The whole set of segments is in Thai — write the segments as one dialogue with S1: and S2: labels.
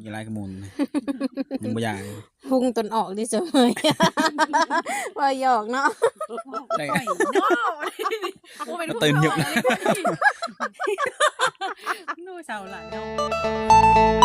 S1: กี่ไรกระมุนยังบ่อยาก
S2: พุ่งตนออกดิเสมอว่าหยอกเนาะ
S1: ได้
S3: โอ้ยเนาะโอ้เป็น
S1: ตื่นหยุดนะ
S3: นู่เสาหลังเนาะ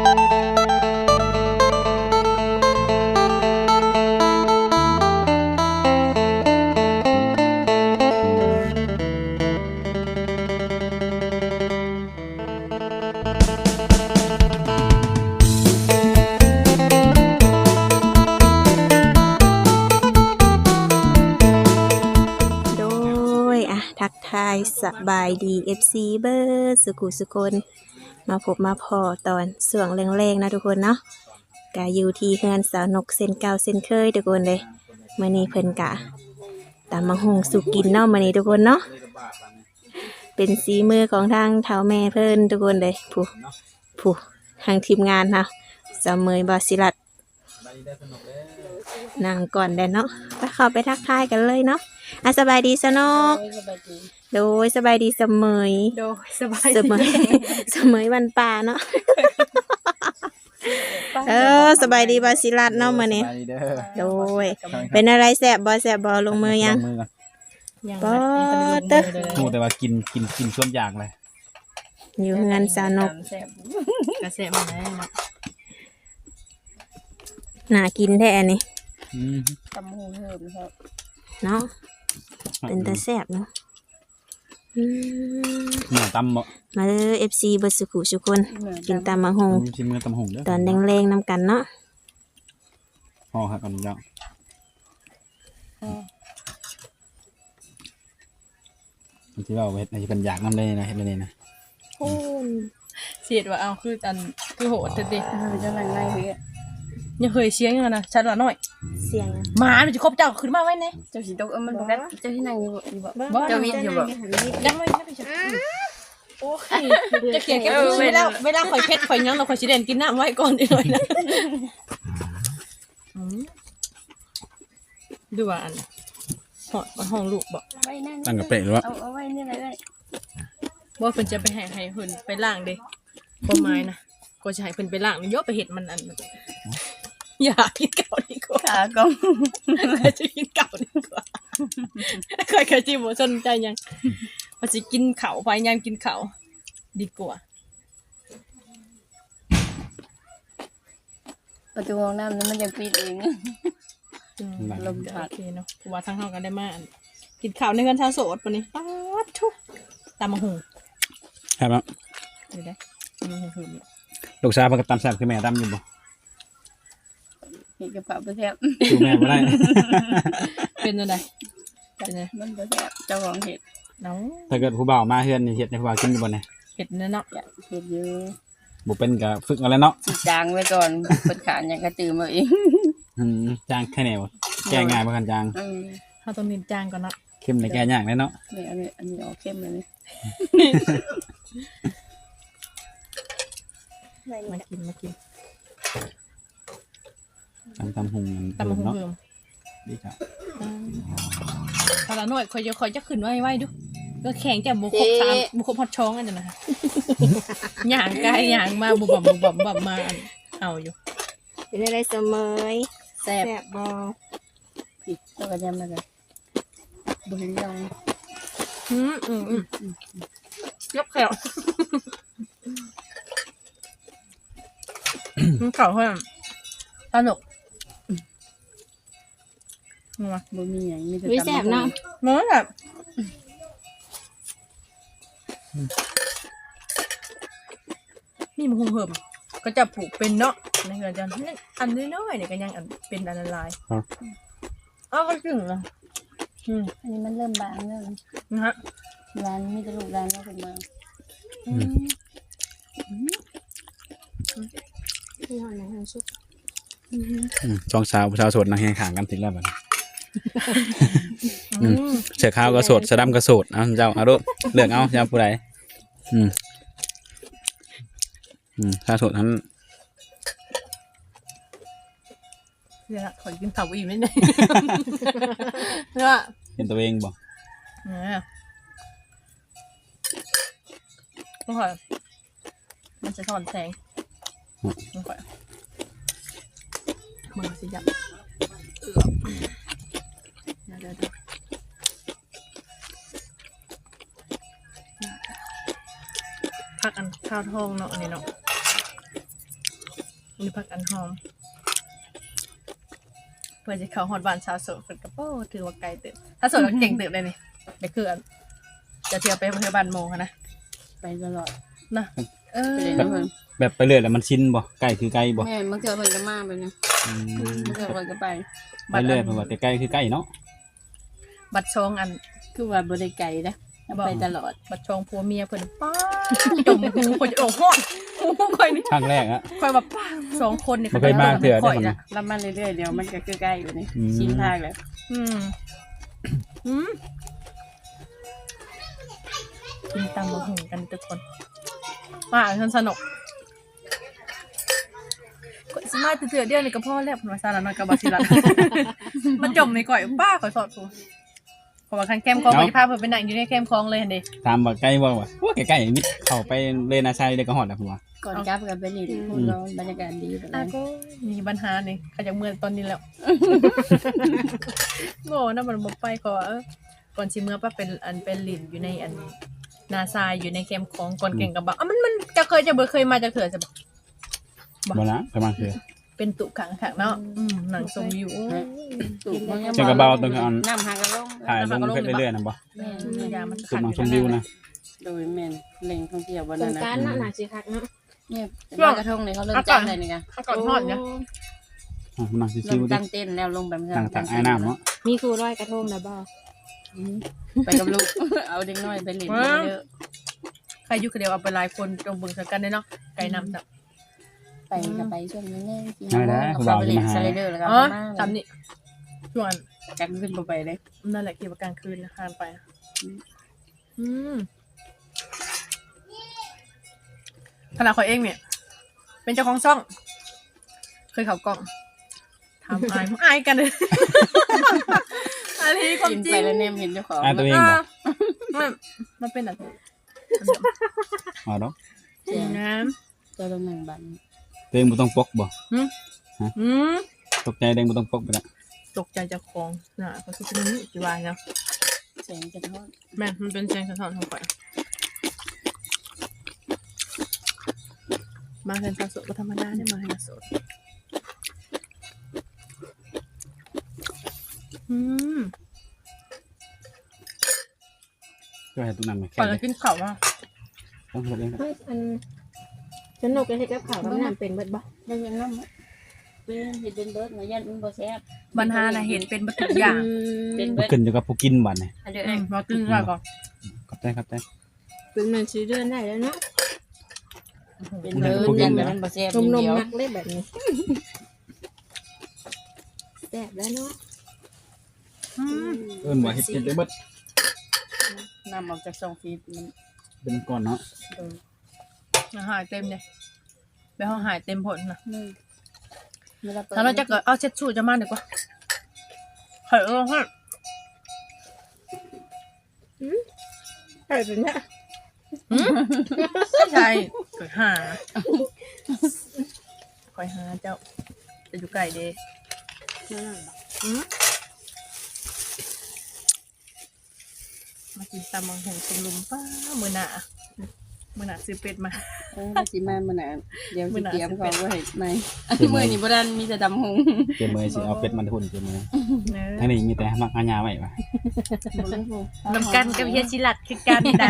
S2: โดยทักทายสบายดี FC เบอร์สุขุสุคนมาพบมาพอตอนส่วงแรงๆนะทุกคนเนาะกะอยู่ที่เฮือนสาวนกเส้นเก่าเส้นเคยทุกคนเลยมื้อนี้เพิ่นกะตามมาหุงสุกินเนาะมื้อนี้ทุกคนเนาะเป็นสีมือของทางเฒ่าแม่เพิ่นทุกคนเลยผู้ทางทีมงานเนาะสาวเมยบาสิรัตนั่งก่อนเด้อเนาะไปเข้าไปทักทายกันเลยเนาะสบายดีสนกโดยสบายดีเสมย
S3: โดยสบาย
S2: เสมยเสมยวันป่าเนาะสบายดีบาสิรัตเนาะมื้อนี้โดยเป็นอะไรแซ่บบ่ลงมือยัง
S1: ลงมือก่อน
S2: ปอเตอะ
S1: โอ้แต่ว่ากินส่วนอยากเลย
S2: อยู่เฮือนสาวนก
S3: แซ่บกระแซ่บมาแน่เนาะ
S2: น่ากินแท้อันนี้
S3: ตำหูเหิมครับ
S2: เนาะเป็นตาแซ่บเนาะ
S1: หน่อตำบ่
S2: มาเด้อ FC เบิดสุขุสุคนกินตามมาหง
S1: ชิมมือตำหงเด้อ
S2: ตอนแรงๆนำกันเนาะ
S1: ห่อครับก่อนจ้ะที่ว่าเฮ็ดให้เป็นอยากนำเลยนะเฮ็ดเลยนะ
S3: เสียดว่าเอาคืออันคือโหดเด็ด
S4: จะหลังไงพี่
S3: ยังเคยเชียงอยู่นะชัดละหน่อย
S2: เสียง
S3: หมามันจะครบเจ้าขึ้นมาไว้เนี่ย
S4: เจ้าสีตกมันบอกว่าเจ้าที่นั่งอยู่บอก
S3: บ่
S4: เจ้าวิทย์อยู่บอก
S3: ยังไม่ไปชัดโอ้ยจะเกลียดแค่เวลาข่อยเพชรข่อยยังเราข่อยสิเด่นกินน้ำไว้ก่อนอีกหน่อยนะดูว่าอันหอดมาห้องลูกบอก
S4: ไว้นั่น
S1: ตั้งกับเป๊ะหรือว่า
S4: เอาไว้นี่อะไรได้
S3: ว่าเพิ่นจะไปให้เพิ่นไปล่างเด้บ่ไม้นะก็จะให้เพิ่นไปล่างนี่ยกไปเห็ดมันอันอย่ากินเก่าดีกว่า
S4: ขากง
S3: จะกินเก่าดีกว่าค่อยกะจิบ่สนใจยังว่าสิกินข้าวพยายามกินข้าวดีกว่า
S4: ประตูห้องน้ำนั้นมันยังปิดเอง
S3: ลมพัดโอเคเนาะเพราะว่าทางเฮากันได้มาอันกินข้าวในเงินชาวโสดปานนี้ป๊าดทุกตามมาหุง
S1: ครับ
S3: เดี๋ยวได้ตามมาหุงเพิ่ม
S1: ลูกสาวเพิ่นก็ตำแซ่บคือแม่ตำอยู่บ่
S4: เห็นกระเป๋าประแทบ
S1: ดูแม่บ่ได้
S3: เป็นจังไดเป็นไง
S4: มันประแทบเจ้าของเห็ด
S3: เนาะ
S1: ถ้าเกิดผู้บ่าวมาเฮือนนี่เฮ็ดให้ผู้บ่าวกินอยู่บ่เนี่ย
S3: เห็ดเนาะ
S4: เห็ดอยู่
S1: บ่เป็นก็ฝึกเอาแล้วเนาะ
S4: สิจางไว้ก่อนเปิดขานยังกระตือมาเอง
S1: จางแค่แนวแก้ง่ายบ่คันจาง
S3: เฮาต้องนินจางก่อนเนาะ
S1: เข้มได้แก้ยากแน่เนาะ
S4: นี่อันนี้ออกเข้มเลยนี่
S3: มากิน
S1: ตำหุง
S3: ตามมาหุง
S1: เนาะ
S3: เพิ่ม
S1: ดีจ้ะ
S3: พาละหน่อยคอยจะขึ้นไว้ดูก็แข็งแต่บุคบสามบุคบฮอดช้องอันนั้นนะคะหย่างกายหย่างมาบุบบ่มมาเอาอยู่
S2: เป็นอะไรเสมย
S3: แซ่บ
S2: แซ่บบ่
S4: ผิดตัวกระยำมาเลยบุญยอง
S3: ยกแขวมันเก่าเพิ่มสนุกมา
S4: บุญมีอย่างมีแต่
S2: วิแซ่บเนาะ
S3: เมื่อแบบนี่มันคงเพิ่มก็จะผูกเป็นเนาะในเงินจันอันน้อยๆเนี่ยก็ยังอันเป็นอันละลายอ้าวก็ถึงนะ
S4: อันนี้มันเริ่มบางเริ่ม
S3: นะฮะ
S4: ร้านมีแต่ลูกร้านแล้วเป็นมา
S2: ที่ห้องน้ำซุป
S1: สองสาวผู้สาวโสดนั่งแข่งขันกันถึงแล้วบัดนี้เสือขาวก็โสดสะดำก็โสดเอาเจ้าเอาลูกเลือกเอาเจ้าผู้ใดถ้าโสดนั้น
S3: เนี่ยขอกินข้าวอีกนิดนึงเนี่ย
S1: เป็นตัวเองบ่
S3: เนี่ยต้องขอมันจะถอนแสงมันก่อยมันสิจับเดี๋ยวผักอันข้าวทองเนาะอันนี้เนาะมีผักอันหอมเพื่อจะเข้าฮอดบ้านชาวโสดเพิ่นก็โป้ถือว่าไกลเติบถ้าโสดก็เก่งเติบเลยนี่เดี๋ยวคืออันจะเที่ยวไปเที่ยวบ้านโมค่ะนะ
S4: ไปตลอด
S3: นะเออ
S4: ไปเลยนะเพิ่น
S1: แบบไปเรื่อยแล้วมันชินบ่ใกล้คือใกล้บ่
S4: แม่บางเทื่อเพิ่นก็มาไปนะ
S1: อืม
S4: บางเทื่อเพิ่นก็ไป
S1: ไปเรื่อยเพราะว่าแต่ใกล้คือใกล้เนาะ
S3: บัตรชองอัน
S4: คือว่าบ่ได้ไกลนะไปตลอด
S3: บัดชองผัวเมียเพิ่นป้าจมหูคนจะโอ้โหหูค่อยนี่
S1: ครั้งแรกอะ
S3: ค่อยแบบป้า2คนนี่
S1: บ่เคยมาเทื่อได้
S3: ค่อย
S1: บ่
S3: น่ะ
S1: นะ
S4: รับมาเรื่อยๆเดี๋ยวมันก็คือใกล้อยู่นี่
S1: อืม
S4: ชินทางแล้ว
S3: อืมกินตำบักหุ่งกันทุกคนว่าฉันสนุกสมาเถื่อเดียวนี่ก็พ่อแล้วมาซาลาน้อยกับบาซิลัน มันจมในก่อยป้าข่อยสอดกูขอว่าคันแคมคลองไปพาเพิ่นไปนั่งอยู่ในแคมคลองเลยหั่นเด้
S1: ถามว่าใกล้บ่วะว่าใกล้ๆมิดเข้าไปเลนาชัยได้ก็ฮอดแล้วผมว่า
S4: ก่อนกลับกันไปนี่พูดร้อนบรรยากาศดีแบบ
S3: อ่ะ
S4: นั้น
S3: ก็มีปัญหานี่เขาจะเมื่อตอนนี้แล้ว โง่นะมันบ่ไปขอก่อนสิเมื่อป้าเป็นอันเป็นหลินอยู่ในอันนาซายอยู่ในแคมป์ของก่อนเก่งกับบ่มันจะเคยมาจากเถื่อจะบอก
S1: บ่นะประมาณคือ
S3: เป็นตุขังขังเนาะหนังชมวิว
S4: ถูกมัน
S1: จังกระเบาตรงอัน
S4: น้ำหักกระลง
S1: ถ่ายลงเฟซเรื่อยๆนะบ่
S4: แม่น
S3: ยามัน
S1: คือมังชมวิวนะ
S4: โดยแม่นแหล่งท่องเที่ยววัน
S2: ส
S4: นั้
S2: ง
S4: นนะ
S2: กรานต์เนาะน่าสิคักเนาะ
S4: เนี่ยลอยกระทงเนี่ยเขาเริ่มจ้างอะไรนี่ไง
S3: ก่อนทอดเนี่ย
S1: มัง
S4: เริ่
S1: ชิว
S4: ม
S1: ๆดิ
S4: ตั้งเต้นแล้วลงแบบ
S1: ต่างๆไอ้น้ำเนาะ
S2: มีครูร้อยกระทงนะบ่
S4: ไปกับลูก เอาเด็กน้อยไปเล่นเยอะ
S3: ใครอยู่คนเดียวเอาไปหลายคนจงเบิ่งสักกันได้เนาะไก่น้ำจับ
S4: ไปก็ไปช่วงนี้แน่กินเขาไปเล่นสไลเดอร์แล้วก็
S3: อ๋อ
S4: มา
S3: ทำนี่ส่วน
S4: กันขึ้นไปเลย
S3: นั่นแหละเกี่ยวกับกลางคืนนะทานไปขนาดเขาเองเนี่ยเป็นเจ้าของช่อง เคยเขากล้องทำอายกันเลยอันนี้ความ
S4: กิน
S3: จริ
S4: ไป
S3: ง
S4: แล้วเนี่ยเห็นเจ้าของ
S1: ตัวเองบ่
S3: มันเป็นอะไร
S1: อ๋อเนาะ
S3: น้
S4: เจ้าตำแหน่งบัน
S1: ตัวเองบ่ต้องปกบ่
S3: ำ
S1: ตกใจตัวเองบ่ต้องปกไปละ
S3: ตกใจจากของน่ะก็คือเป็นนี่กี่วันเนาะ
S4: แสงจะทอด
S3: แม่มันเป็นแสงสะท้อนของไฟมาเห็นสาวโสดก็ธรรมดาเนี่ยมาเห็นสาวโสด
S1: ก็ให้ตุ้นำไป
S3: ก่
S1: แค่
S3: อนจะกินข้าวว่า
S1: ต้องเฮ็ดเอง
S2: เฮ้ยอันสนุกเลยเฮ็ดกับข้าวกับน้ำเป็นเบิดบ่
S4: ยังยังน้ำเป็นเห็ดเป็นเบิร์ดมายันมันบ่แซ่บ
S3: บรรหาน่ะเห็นเป็นบัตทุกอย่าง
S4: เป็น
S1: บ่
S4: เบิร์ด
S1: ขึ้นอยู่กับผู้กินบัดนี่
S4: อันเดียว
S3: มากินข้าวก่อน
S1: ขอบใจ
S2: เป็นมันสิเดือนได้แล้วเนาะ
S4: เป็นเบิร์ดยันแต่มันบ่แซ่บ
S2: นม
S4: เดียว
S2: มักเลยแบบนี้แซ่บแล้วเนาะ
S1: เอิ้นว่าเฮ็ดได้เบิด
S4: น้ำออกจากซองฟีดมัน
S1: เป็นก่อนเนาะ
S3: หายเต็มเลยไปห้องหายเต็มผลนะ
S4: นี่
S3: ถ้าเราจะเกิดเอาเช็ดชูจะมาดีกว่าหายลงให้
S2: ใช่เป็นเนี่ย
S3: ใช่คอยหาคอยหาเจ้าจะอยู่ไกลเด้มากินตำมังหงสมลุมป้ามือหนาซื้อเป็ดมา
S4: สิมามื้อหน้าเดี๋ยวสิเตรียมของไว้ให้ในมื้อนี้บ่ทันมีแต่ดำหง
S1: เจมื้อสิเอาเป็ดมาทุนเจมื้อทั้งนี้มีแต่มักอาญาไว้ว่ะ
S3: นำกันกับเฮียชิลัดคือกันใด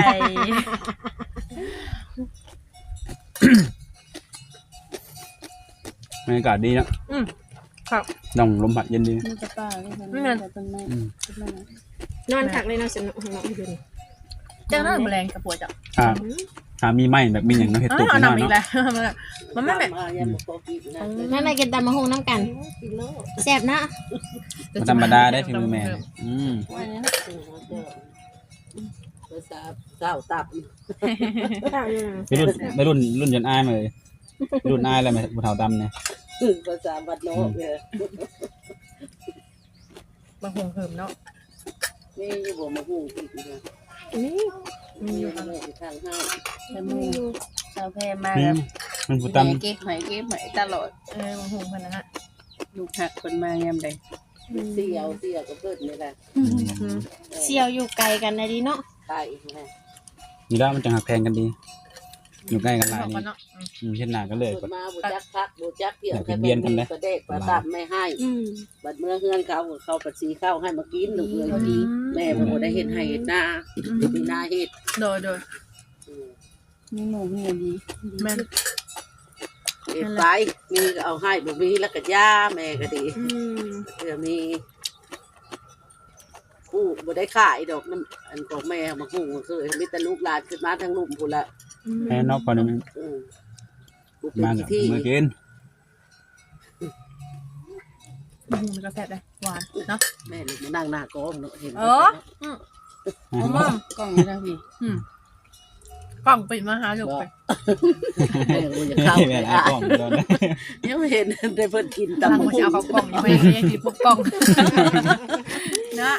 S1: บรรยากาศดีเนาะ
S3: ครับ
S1: น้องลมพัดเย็นดี
S4: มีแต่ป้าเลยค่ะแต่ต้นไม้
S2: นอนคักเลยเนาะสนุกของน้องอยู่นี่
S3: เจ้าหน้าแมลงกระปวดจ้ะ
S1: มีไม้แบบมีหยังเนาะเฮ็ดตุก
S3: เอา
S1: เนาะ
S3: นำอีก
S1: เนาะ
S3: แล้วมันไม่แบบ
S2: นั่นอะไรกินตำมะฮงน้ำกันแซ่บนะ
S1: บ่ธรรมดาได้ฝีมือแม่
S4: เจ้าตับ
S1: ไปรุ่นจนอายมาเลยรุ่นอายแล้วแม่บ่เฒ่าดำเนี่ย
S4: ภาษาบัดโนกเนี่ย
S3: บางหงเหิมเนาะ
S4: นี่อยู่บ่มาฮู้อีกนะ
S2: นี่
S3: มีอยู่
S4: ทางห้างแต่มูชาวแพร่มา
S1: มันผู้
S4: แม่
S1: ตำ
S4: เก็บหอยเก็บหอยตลอด
S3: บางหงคนนั้นฮะ
S4: ลูกหักคนมายามใด
S5: เสี่ยวก็เกิดนี่แหละ
S2: เสี่ยวอยู่ไกลกันนะดิเนาะ
S5: ตายอีกนะ
S1: นี่แล้วมันจะหักแพงกันดีอยู่ใกล้กันหลาย
S3: บอก
S1: นี่
S5: Ừ.
S3: กันเนาะ
S1: เช่นหน้าก็เลย
S5: เกิดมาบุจักพักบุจักเกี่ยว
S1: เบียนกันเลย
S5: กระเด็กประดับไม่ให้บัดเมื่อเฮือนเขาปัดสีเข้าให้มากินลูกเอ้ยพอดีแม่บ่ได้เฮ็ดให้เฮ็ดนามีนาเฮ็ด
S3: โดย
S4: มีหมูมีอย่างดี
S3: แม่น
S5: เฮ็ดไปมีก็เอาให้บ่มีแล้วก็ย่าแม่ก็ดีเดี๋ยวมีผู้บ่ได้ขายดอกน้ำอันของแม่มาฮู้เคยมีแต่ลูกหลานขึ้นมาทั้งลุ่มพุ่นละ
S1: แพ้นอกพอนี่มัน
S5: บุเป็น
S1: มากับ
S5: ที่
S1: มือกิน
S3: บางหงมันก็แซ่บเลยหวานเนาะ
S5: แม่ลูกมานั่งหน้ากองเนาะเห็น
S3: อ๋อมอม
S4: กล้องนี่นะพี่
S3: กล่องปิดมาหาลูกไป
S5: แม่บ่อยากเข้า
S1: แม่ไอ้กล้องโดนนะ
S5: ยังไม่เห็นได้เพิ่นกิน
S3: กำลัง
S5: ตำ
S3: มาเอาเขากล่องอยู่ไม่ได้กินพวกกล่องนะ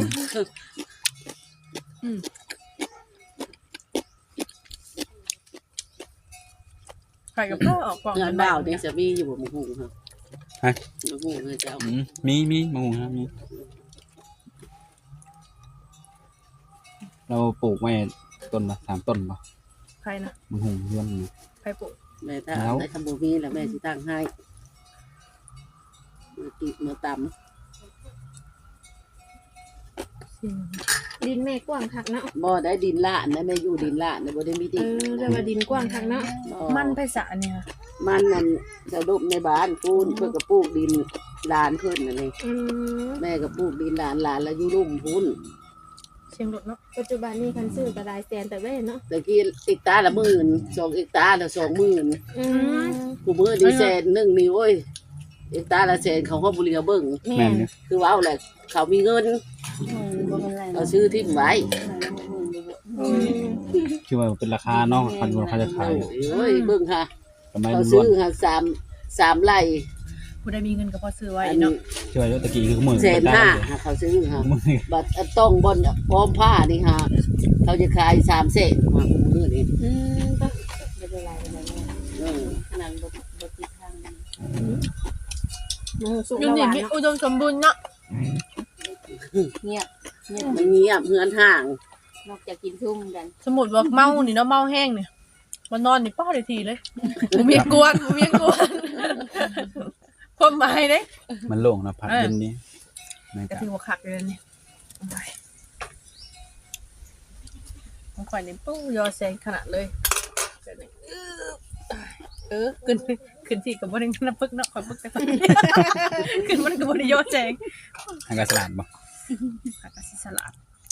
S3: ไข่กับข้าวออกกล่อง
S5: งานบ่าวนี่จะมีอยู่บ่หมู่ฮู้ครับหมู่ฮู้เด้อเจ้า
S1: มีมะม่วงครับมีเราปลูกไว้ต้นละ3 ต้นป่ะ
S3: ไข่นะ
S1: มะม่วงเพื่อน
S3: ไข่ปุ๊
S5: แม่ถ้าได้ทำบ่มีแล้วแม่สิตั้งให้มาติดมาตำ
S2: ดินแม่กว้างคักเนาะ
S5: บ่ได้ดินละนะแม่อยู่ดินละนะบ่ได้มีดิน
S2: เรียกว่าดินกว้างคักเนาะ
S3: มันไปสะเนี่ย
S5: มันนั่นจะดบในบ้านปูนเพิ่นก็ปลูกดินหลานเพิ่นนั่นเองแม่ก็ปลูกดินหลานแล้วอยู่ลุ่มพุ่น
S3: เชียงรถเนาะ
S2: ปัจจุบันนี้คันซื้อก็หลายแสนแต่เว้ยเนาะ
S5: ตะกี้อีกตาละ10,000 2อีกตาละ20,000 กูมือดีแสนหนึ่งนี่โอ้ยเอกตาละแสนเขาก็บุเรียเบิ่ง
S1: แม่นเนี่ย
S5: คือว่าเอาแหละเขามีเงิน
S4: บ่เป็นไร
S5: เขาซื้อทิ้งไว้
S1: คือว่าเป็นราคาเนาะคันว่าเขาจะขาย
S5: โอ้ยเบิ่งค่ะ
S1: ทำไม
S5: เขา
S1: มันล้
S5: ซื้
S1: ว
S5: อน ค่ะ3ไร่
S3: ผู้ใดมีเงินก็พอซื้อไว้
S5: อัน
S3: เนาะ
S5: นี้
S1: ช่วยตะกี้คือมือ
S5: 150,000ค่ะเขาซื้อค่ะบัดต้องบอนพร้อมผ้านี่ค่ะเขาจะขาย3แสนมามือนี่
S2: ก็
S4: บ่เป็นไรขนาดบ่ติดทาง
S2: สุก
S3: ยู
S2: แล้วห
S3: นิ
S2: วาน
S3: มี
S2: เนาะ
S3: อุดมสมบูรณ์เนาะ
S4: เงียบ
S5: มันเงียบเฮือนห่าง
S4: นอกจากกินทุ่มกัน
S3: สมมุติว่าเมานี่เนาะเมาแห้งเนี่ยมานอนนี่ป้าได้ทีเลยบ่มีกวนความหมายเด้
S1: มันโล่งนะพัดเย็นนี้นะค
S3: ก็
S1: รับ
S3: ถือว่าคักเลยนี่ของข่อยนี่ปุ๊ยอแซงขนาดเลยขึ้นที่กับบ่ได้นับพึกเนาะข่อยพึกแต่ขึ้นมันก็บ่ได้ยอแซง
S1: ทางการสลัดบ่
S3: คักก็สิสลัด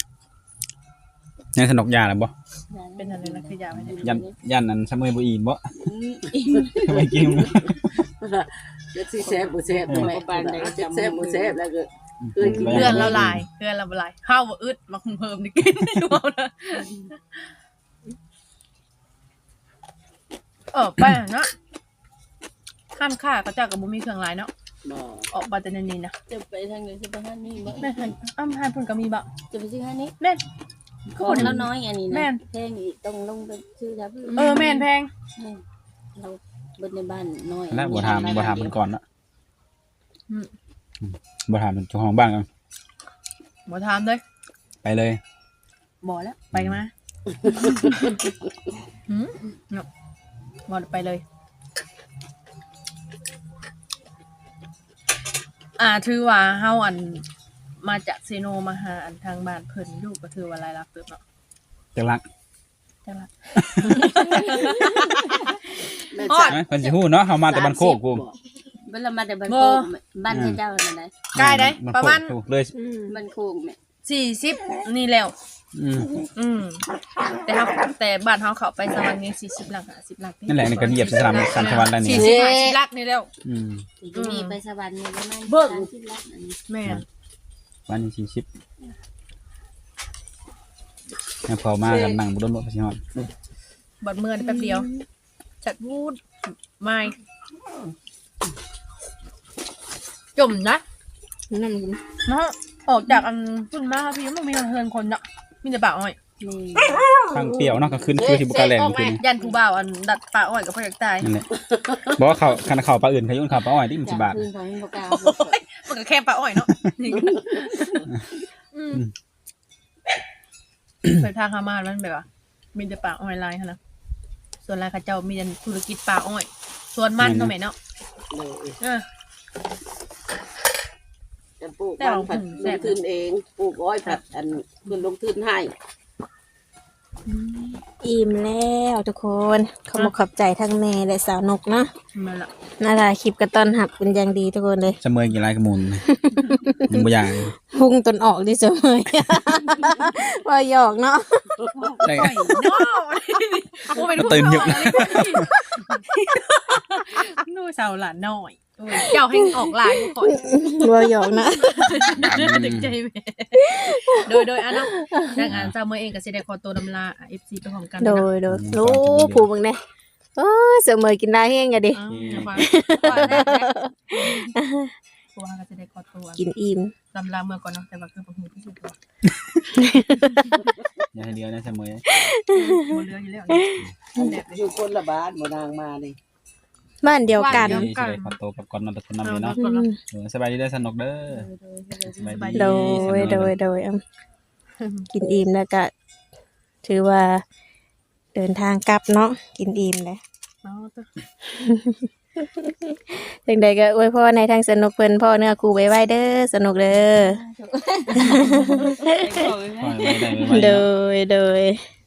S1: ยังสนุกยาแล้วบ่
S3: เป็นอะไรนะคือยาไว้เนี่ย
S1: ยันนั้นซะมื้อบ่อิ่มบ่ไม่กิน
S5: จะสิแซ่บบ่แซ่บแม่จะแซ่บบ่แซ่บแล้วก็เคยกิน
S3: เพื่อนเราลายเพื่อนเราบ่ลายข้าวบ่อึดมาคุมเพิ่มนี่กินดูเอานะไปเนาะข้ามค่าเขาเจ้าก็บ่มีเครื่องหลายเนาะ
S5: บ่
S3: ออกมาแต่นี่นะ
S4: จะไปทางไหนจะไปทางนี้บ่
S3: แม่หันอ้ำหันเพิ่นก็มีบ่
S4: จะไปซื้อทางนี้
S3: แม่น
S4: คนแล้วน้อยอันนี้
S3: แม่
S4: นะ
S3: น
S4: แพงอีกต้องลงไปซื้อแล้ว
S3: แม่นแพง
S4: เราเบิดในบ้านน้อย
S1: แล้วบ่ถามเพิ่นก่อนเนาะบ่ถามเจ้าของบ้านกัน
S3: บ่ถามเลย
S1: ไปเลย
S3: บ่แล้วไปมาเนาะบ่ไปเลยถือว่าเฮาอันมาจากเซโนมาหาอันทางบ้านเพิ่นอยู่ก็ถือว่าหลายลักเติบเนาะ
S1: จังรัก
S3: จังล่ะ
S5: แม่
S3: ฮอ
S5: จ๋า
S3: ด
S1: เพิ่นสิฮู้เนาะเฮามาแต่บ้านโคกกู
S4: เวลามาแต่บ้านโคกบ้านเจ้านั่นนะ
S3: ใกล้ได้ประมาณ
S1: เลย
S4: บ้านโคกแม่
S3: 40นี่แล้วแต่บ้านเฮาเข้าไปสวรรค์นี่40หลัก50หลัก
S1: นั่นแหละนี่ก็เหยียบสนามสันสวรรค์แล้วนี่
S3: 40หลักนี่แล้ว
S4: จะมีไปสวรรค์เนี่ยประมาณ
S3: เบิ่ง
S4: 30ล้านอันนี้
S3: แม่น
S1: วันนี้40แล้วพอมากันนั่งบ่โดนบ่สิฮอด
S3: บัดเมื่อแป๊บเดียวจัดวูดไม่จมนะ
S2: นั่น
S3: เนาะออกจากอันพุ่นมาพี่มันมีเฮือนคนเนาะมีแต่บ่าวอ้อย
S4: นี่
S1: ทางเปรี้ยวเนาะก็ขึ้นคือที่บุกกาแหลงคือนี่
S3: ยันผู้บ่าวอันดัดปลาอ้อยกับพ่ออยากตาย
S1: นั่นแหละบอกว่าเขาคันเขาปลาอื่นเขายุ่งเขาปลาอ้อยที่มันสิบาท
S4: คืนของบ่กล้า
S3: มันก็แค่ปลาอ้อยเนาะไปทางฮามาสมันแบบว่ามีแต่ปลาอ้อยลายนะส่วนลายข้าเจ้ามีแต่ธุรกิจปลาอ้อยส่วนมันเนาะแม่เนาะ
S5: เลย
S3: เออ
S5: จะปลูกมันผัดลงทุนเองปลูกอ้อยผัดอันเพิ่นลงทุนให้
S2: อิ่มแล้วทุกคนขอบใจทั้งแม่และสาวนกเนาะ
S3: มาละ
S2: น่ารักคลิปกระต้อนหับเป็นอย่างดีทุกคนเลย
S1: เสมอกี่ไรกระมุนยังบ่อย่าง
S2: พุ่งตนออกดิเสมอ ว่าหยอกเนาะ
S1: ใช่
S3: อ้อยเนาะโอ้เป็นผู้
S1: ตื่นหยุบ
S3: นู่นสาวหลานน้อยเจ้าให้ออกลายทุกคน
S2: ว่าหยอกนะ
S3: ดึงใจแม่โดยอันนั้นดังอันเจ้าเมื่อเองก็สิได้ขอตัวดำลา FC ไปพร้อมกัน
S2: โดยรู้ผู้มึงเนี่ยโอ้เสมอกินได้แห้งอะดิ
S3: ว่าก็จะได้ขอตัว
S2: กินอิ่ม
S3: ดำลาเมื่อก่อนเนาะแต่ว่าคือบ่ฮู้ที่สุดตัว
S1: อย่าให้เดียวนะเสมอ
S3: บ่เหลืออยู่แล้ว
S5: อยู่คนละบ้านบ่นางมานี่
S2: บ้านเดียวกัน
S1: นี่สิได้ขอตัวกับก่อนนอนตะคนนำเลยเนาะสบายดีได้สนุกเด้อสบายดี
S2: โดยกินอิ่มแล้วก็ถือว่าเดินทางกลับเนาะกินอิ่มเลย
S3: เนาะ
S2: จังใดก็อวยพรในทางสนุกเพิ่นพ่อเนื้อคู่ไว้เด้อสนุกเด้อ
S1: ปล่อยไว้ได้ไว้
S2: โด
S1: เนาะ
S2: ย